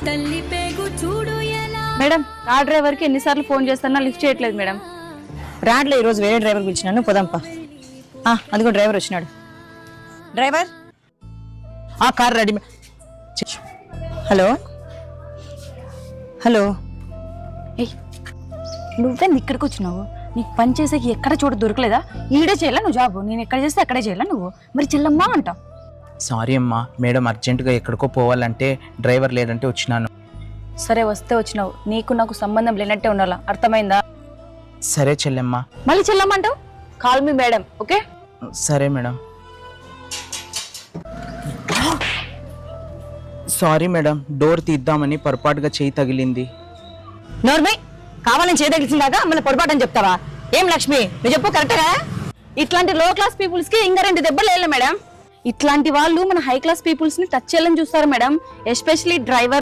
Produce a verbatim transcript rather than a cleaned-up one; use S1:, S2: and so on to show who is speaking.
S1: Madam ఆ డ్రైవర్కి ఎన్నిసార్లు ఫోన్ చేస్తున్నా లిఫ్ట్ చేయట్లేదు మేడం.
S2: రాడ్లో ఈరోజు వేరే డ్రైవర్ పిలిచినాను, పోదాంపా. అదిగో డ్రైవర్ వచ్చినాడు. డ్రైవర్ ఆ కార్ రెడీ. హలో హలో
S1: ఏయ్ నువ్వే ఇక్కడికి వచ్చినావు? నీకు పని చేసేకి ఎక్కడ చోటు దొరకలేదా? ఈడే చేయాలా నువ్వు జాబ్? నేను ఎక్కడ చేస్తే అక్కడే చేయాలా నువ్వు? మరి చెల్లమ్మా అంటావు.
S3: సారీ అమ్మా, మేడం అర్జెంటుగా ఎక్కడికో పోవాలంటే డ్రైవర్ లేదంటే వచ్చినాను.
S1: సరే వస్తే వచ్చినావు, నీకు నాకు సంబంధం లేనట్టే ఉండాలా, అర్థమైందా?
S3: సరే చెల్లెమ్మా.
S1: మళ్ళీ చెల్లమ్మంటావు? Call me madam, okay?
S3: సరే మేడం. సారీ మేడం, డోర్ తీద్దామని పొరపాటుగా చేయి తగిలింది.
S2: నోర్మై, కావాలని చేయదగిలిసిందాకా మళ్ళీ పొరపాటు అని చెప్తావా? ఏం లక్ష్మి నువ్వు చెప్పు కరెక్ట్గా.
S1: ఇట్లాంటి లో క్లాస్ పీపుల్స్ కి ఇంకా రెండు దెబ్బలు వేయాలి మేడం. ఇట్లాంటి వాళ్ళు మన హై క్లాస్ పీపుల్స్ ని టచ్ చేయాలని చూస్తారు మేడం, ఎస్పెషలీ డ్రైవర్